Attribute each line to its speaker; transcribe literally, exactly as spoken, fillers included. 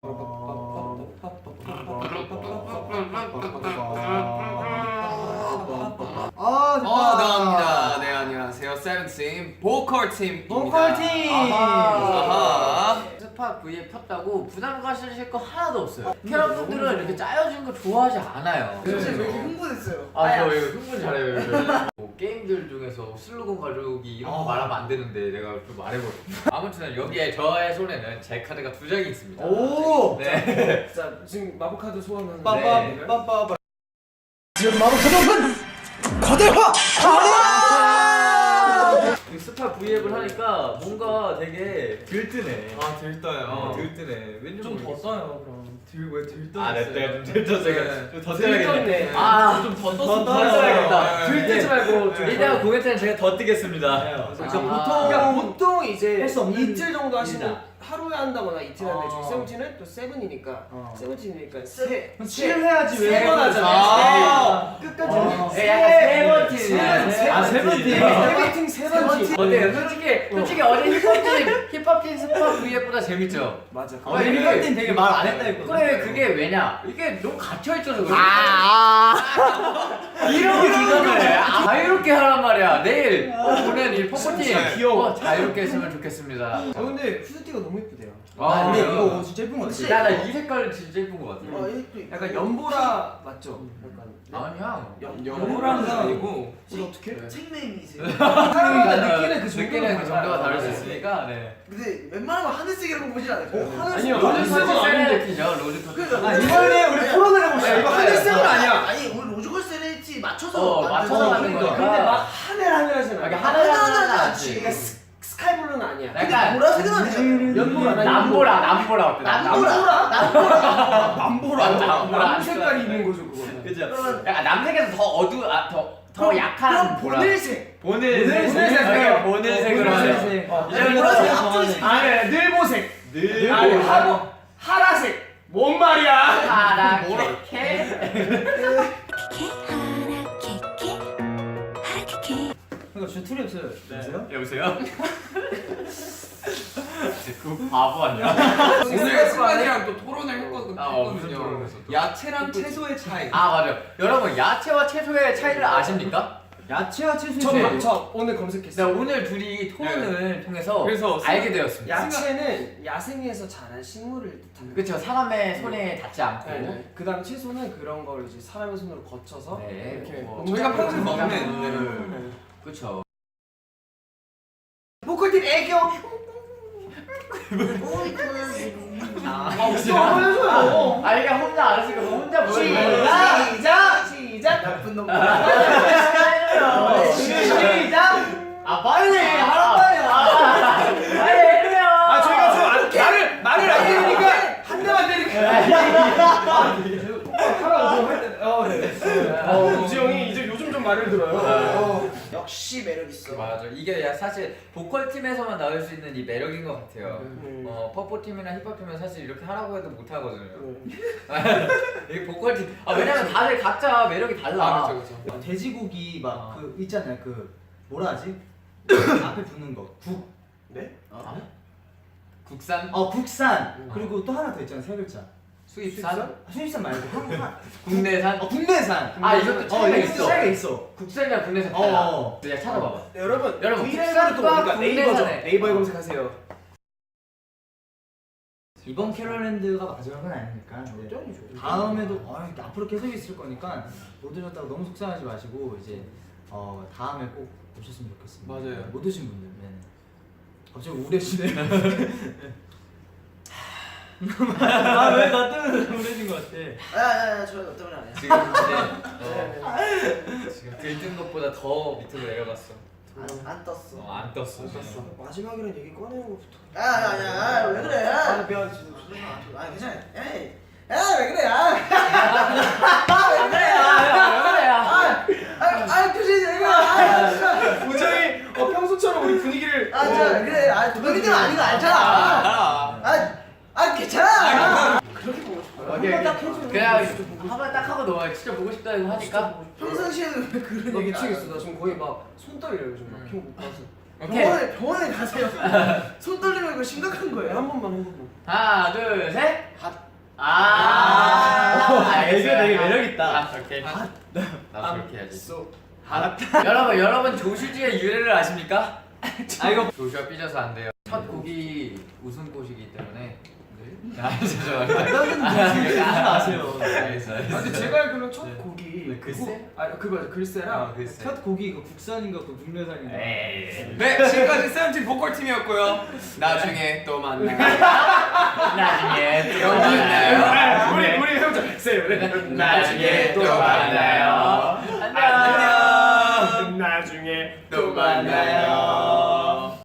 Speaker 1: 아, 됐다.
Speaker 2: 어, 나갑니다. 네, 안녕하세요. 세븐팀 보컬 팀입니다.
Speaker 1: 보컬 팀.
Speaker 2: 아하.
Speaker 3: 스팟 V에 폈다고 부담 가실 거 하나도 없어요. 캐럿분들은 이렇게 짜여진 거 좋아하지 않아요.
Speaker 1: 사실 왜 이렇게 흥분했어요?
Speaker 3: 아, 저 이거 흥분 잘해요. 뭐 게임들 중에서 슬로건 가져오기 이런 거 말하면 안 되는데 내가 좀 말해버려. 아무튼 여기에 저의 손에는 제 카드가 두 장이 있습니다.
Speaker 1: 오.
Speaker 3: 네.
Speaker 1: 자, 지금 마법 카드 소환하는.
Speaker 3: 네.
Speaker 1: 빠빠빠빠. 지금 마법 카드는 거대화.
Speaker 3: 이 스팟 V앱을 하니까 뭔가 되게 들뜨네.
Speaker 2: 아, 들떠요.
Speaker 3: 어, 들뜨네. 왠지
Speaker 1: 좀 더
Speaker 3: 모르겠어.
Speaker 1: 써요, 그럼. 들 왜 들떠?
Speaker 3: 아, 네, 네, 좀 들떴어요.
Speaker 2: 네.
Speaker 3: 좀더
Speaker 1: 들떴네.
Speaker 3: 써야겠네. 아, 좀 더
Speaker 1: 더
Speaker 3: 써야겠다.
Speaker 2: 네.
Speaker 3: 들뜨지 말고
Speaker 2: 네.
Speaker 3: 이따가 공연 때는 제가 더 뜨겠습니다.
Speaker 1: 그러니까
Speaker 3: 아.
Speaker 1: 보통 그러니까 보통 이제
Speaker 4: 할수 없는
Speaker 1: 이틀 정도 하시면
Speaker 4: 일이다.
Speaker 1: 하루에 한다거나 이틀 하는데
Speaker 3: 어.
Speaker 1: 저희 세븐틴은 또 세븐이니까
Speaker 4: 어.
Speaker 1: 세븐틴이니까 세
Speaker 4: 칠을 해야지 왜?
Speaker 1: 세번 하잖아요.
Speaker 2: 아.
Speaker 1: 세. 끝까지.
Speaker 4: 어.
Speaker 3: 네, 약간 세븐틴.
Speaker 1: 세븐틴.
Speaker 4: 아, 세븐틴.
Speaker 1: 세븐틴 세븐틴.
Speaker 3: 어때요? 솔직히 솔직히 어제 힙합팀 힙합팀 스팟 V앱보다 재밌죠?
Speaker 1: 맞아.
Speaker 3: 어,
Speaker 4: 어제
Speaker 3: 이게-
Speaker 4: 힙합팀 되게 말 안 했다 했거든.
Speaker 3: 그래 그게 왜냐? 이게 너무 갇혀 있어서 그래. 아, 이런 기간을 아, 자유롭게 하란 말이야. 내일 어, 보낸 이 포커팀
Speaker 2: 진짜
Speaker 1: 귀여워.
Speaker 3: 어, 자유롭게 했으면 좋겠습니다.
Speaker 1: 아 근데 후드티가 너무 예쁘대요.
Speaker 3: 아,
Speaker 4: 근데
Speaker 3: 그래요?
Speaker 4: 이거 진짜 예쁜 거 같아.
Speaker 3: 나나이 색깔 진짜 예쁜 것 같아.
Speaker 1: 어, 약간 연보라 맞죠? 약간
Speaker 3: 아니야.
Speaker 2: 연보라는 아니고
Speaker 1: 이거 어떻게?
Speaker 3: 네.
Speaker 5: 책네임이세요.
Speaker 1: 사람마다 느끼는 그
Speaker 3: 느끼는 그 정도가
Speaker 1: 달라요.
Speaker 3: 다를 수 있으니까. 네.
Speaker 5: 근데 웬만하면 하늘색이라고 보진 않을까요?
Speaker 1: 어, 하늘
Speaker 3: 아니요.
Speaker 1: 색은
Speaker 3: 로즈
Speaker 1: 아닌데.
Speaker 3: 세레티죠. 로즈 터치.
Speaker 5: 그러니까
Speaker 4: 아, 이번에 우리 토론을 해봅시다.
Speaker 1: 이거 하늘색은 아니야.
Speaker 5: 아니 우리 로즈골 세레티 맞춰서
Speaker 3: 어,
Speaker 5: 만든
Speaker 3: 맞춰서
Speaker 5: 거.
Speaker 3: 만든 거니까.
Speaker 1: 근데 막 하늘 하늘하진
Speaker 3: 이렇게
Speaker 1: 않아.
Speaker 3: 하늘
Speaker 5: 하늘
Speaker 3: 하늘
Speaker 5: 하지.
Speaker 3: 하지.
Speaker 1: 그러니까 스, 스카이블루는 아니야.
Speaker 5: 근데
Speaker 3: 약간
Speaker 5: 보라색은 아니잖아요.
Speaker 1: 연보라 아니야.
Speaker 3: 남보라 남보라 어때?
Speaker 5: 남보라. 남보라.
Speaker 1: 남보라.
Speaker 3: 남보라.
Speaker 1: 남 색깔이 있는 거죠 그거는.
Speaker 3: 그죠?
Speaker 5: 그러면-
Speaker 3: 약간 남색에서 더 어두 아더더 약한
Speaker 5: 그럼
Speaker 3: 보라.
Speaker 5: 보늘색.
Speaker 3: 보늘색.
Speaker 1: 보늘색.
Speaker 3: 오케이, 보늘색으로 하자.
Speaker 4: 보늘색.
Speaker 1: 어,
Speaker 3: 이제는
Speaker 5: 보라색
Speaker 3: 또
Speaker 5: 앞쪽이
Speaker 1: 아니 늘보색.
Speaker 3: 늘
Speaker 1: 아니 하보 하라색. 뭔 말이야?
Speaker 3: 하라케케.
Speaker 4: 이거 진짜 툴이 없어요. 보세요?
Speaker 3: 여보세요? 그 바보 아니야?
Speaker 2: 오늘 승관이랑 또 토론을 했거든-
Speaker 3: 아, 어, 무슨
Speaker 2: 했거든요.
Speaker 3: 토론을 했어 또?
Speaker 2: 야채랑 채소의 차이.
Speaker 3: 아 맞아요. 여러분 야채와 채소의 차이를 아십니까?
Speaker 4: 야채와 채소의
Speaker 1: 저,
Speaker 4: 차이.
Speaker 1: 저 오늘
Speaker 3: 네,
Speaker 1: 검색했어요.
Speaker 3: 오늘 둘이 토론을 통해서
Speaker 2: 그래서
Speaker 3: 알게 되었습니다.
Speaker 1: 야채는 야생에서 자란 식물을 뜻합니다.
Speaker 3: 그렇죠. 사람의 손에 닿지 않고.
Speaker 1: 네. 그다음 채소는 그런 걸 이제 사람의 손으로 거쳐서
Speaker 3: 네.
Speaker 1: 이렇게
Speaker 3: 뭐,
Speaker 2: 저희가 평소에
Speaker 1: 농작물을
Speaker 2: 먹는
Speaker 1: 네.
Speaker 3: 그렇죠.
Speaker 1: 보컬팀 애교.
Speaker 3: 아,
Speaker 1: 또 해줘요.
Speaker 3: 아 이게 혼자 안 했으니까 뭐 혼자 보여.
Speaker 1: 시작 시작 시작.
Speaker 5: 나쁜 놈.
Speaker 1: 시작.
Speaker 3: 아 빨리
Speaker 1: 하란 말이야.
Speaker 3: 아, 빨리 해줘요.
Speaker 1: 아 저희가 좀 안- 말을 말을 안 들으니까 한 대만 때리니까. 하라고 좀 할 때. 어 네. 어 우지 형이 이제 요즘 좀 말을 들어요. 어.
Speaker 5: 역시 매력 있어.
Speaker 3: 맞아. 이게 야, 사실 보컬 팀에서만 나올 수 있는 이 매력인 것 같아요.
Speaker 1: 음.
Speaker 3: 어 퍼포 팀이나 힙합 팀은 사실 이렇게 하라고 해도 못 하거든요.
Speaker 1: 음.
Speaker 3: 이 보컬 팀. 아 왜냐면 다들 각자 매력이 달라.
Speaker 2: 아, 그렇죠, 그렇죠.
Speaker 4: 어, 돼지고기 막
Speaker 3: 어.
Speaker 4: 그 있잖아요. 그 뭐라 하지? 앞에 붙는 거. 국.
Speaker 1: 네?
Speaker 3: 어? 국산,
Speaker 4: 어 국산.
Speaker 1: 음.
Speaker 4: 그리고 또 하나 더 있잖아요. 세 글자.
Speaker 3: 수입산,
Speaker 4: 수입산 말고 한한
Speaker 3: 국내산.
Speaker 4: 어, 국내산.
Speaker 3: 아 이것도
Speaker 4: 어,
Speaker 3: 차이가
Speaker 4: 이것도
Speaker 3: 있어.
Speaker 4: 차이가 있어.
Speaker 3: 국산이랑 국내산 달라.
Speaker 4: 어.
Speaker 3: 내가 찾아봐봐.
Speaker 1: 여러분
Speaker 3: 여러분,
Speaker 1: 브이라이브로 또
Speaker 3: 국산과
Speaker 1: 보니까 네이버죠.
Speaker 3: 국내산에.
Speaker 1: 네이버에 검색하세요.
Speaker 4: 이번 캐럴랜드가 마지막은 아니니까. 네.
Speaker 1: 짱이죠.
Speaker 4: 다음에도 어, 이렇게 앞으로 계속 있을 거니까 못 오셨다고 너무 속상하지 마시고 이제 어, 다음에 꼭 오셨으면 좋겠습니다.
Speaker 2: 맞아요.
Speaker 4: 못 오신 분들. 네. 갑자기 우울해지네. 아왜 나 때문에 우울해진 것 같아.
Speaker 5: 야야야 저 너 때문에 안 해.
Speaker 3: 지금 이제 어, 지금 들뜬 것보다 더 밑으로 내려갔어.
Speaker 5: 안, 안 떴어.
Speaker 3: 어, 안 떴어.
Speaker 1: 떴어. 마지막이란 얘기 꺼내는 것부터.
Speaker 5: 야야야 왜 그래?
Speaker 1: 아 미안 진짜.
Speaker 5: 아 괜찮아. 에이. 야왜 그래? 아. 왜 그래?
Speaker 3: 왜 그래요?
Speaker 5: 아아 표정이 내가.
Speaker 1: 우정이 어, 평소처럼 우리 분위기를.
Speaker 5: 아 진짜 그래. 아 너희들 아닌 거 알잖아.
Speaker 2: 알아.
Speaker 5: 아아 괜찮아.
Speaker 1: 그렇게 보고 싶어요.
Speaker 3: 오케이,
Speaker 1: 한번 딱
Speaker 3: 오케이.
Speaker 1: 해줘.
Speaker 3: 그냥 한번 딱 하고 넘어가. 진짜 보고 싶다 이거 하니까.
Speaker 5: 평상시에는 왜 그런
Speaker 1: 나
Speaker 5: 얘기
Speaker 1: 미치겠어. 나 지금 거의 막 손 떨려요 요즘. 막
Speaker 3: 음.
Speaker 1: 기억 못 가서.
Speaker 3: 오케이.
Speaker 5: 병원에 병원에 가세요. 손 떨리면 이거 심각한
Speaker 1: 네,
Speaker 5: 거예요.
Speaker 1: 한 번만 한 번만.
Speaker 3: 하나, 둘, 셋.
Speaker 5: 갓
Speaker 3: 아,
Speaker 4: 애교 되게 매력 있다.
Speaker 3: 아, 오케이. 나 그렇게 해야지.
Speaker 1: 소.
Speaker 3: 여러분, 여러분 조슈지의 유래를 아십니까? 아 이거 조슈가 삐져서 안 돼요. 첫 곡이 웃음꽃이기 때문에. 아, 죄송합니다.
Speaker 4: 너는 무슨 아세요?
Speaker 3: 알겠어,
Speaker 1: 아,
Speaker 3: 알겠어.
Speaker 1: 근데 제가 알기로는 첫 곡이
Speaker 4: 네, 글쎄?
Speaker 1: 그거- 아 그거 글쎄랑
Speaker 3: 어, 글쎄.
Speaker 4: 첫 곡이 그 국산인가 그 국내산인가?
Speaker 3: 에이.
Speaker 2: 네, 지금까지 세븐틴 보컬 팀이었고요. 나중에 또 만나요.
Speaker 3: 나중에 또
Speaker 2: 만나요.
Speaker 1: 아, 우리 우리 해보자. 세븐.
Speaker 3: 나중에 또 만나요. 안녕.
Speaker 2: 안녕.
Speaker 1: 나중에
Speaker 2: 또 만나요.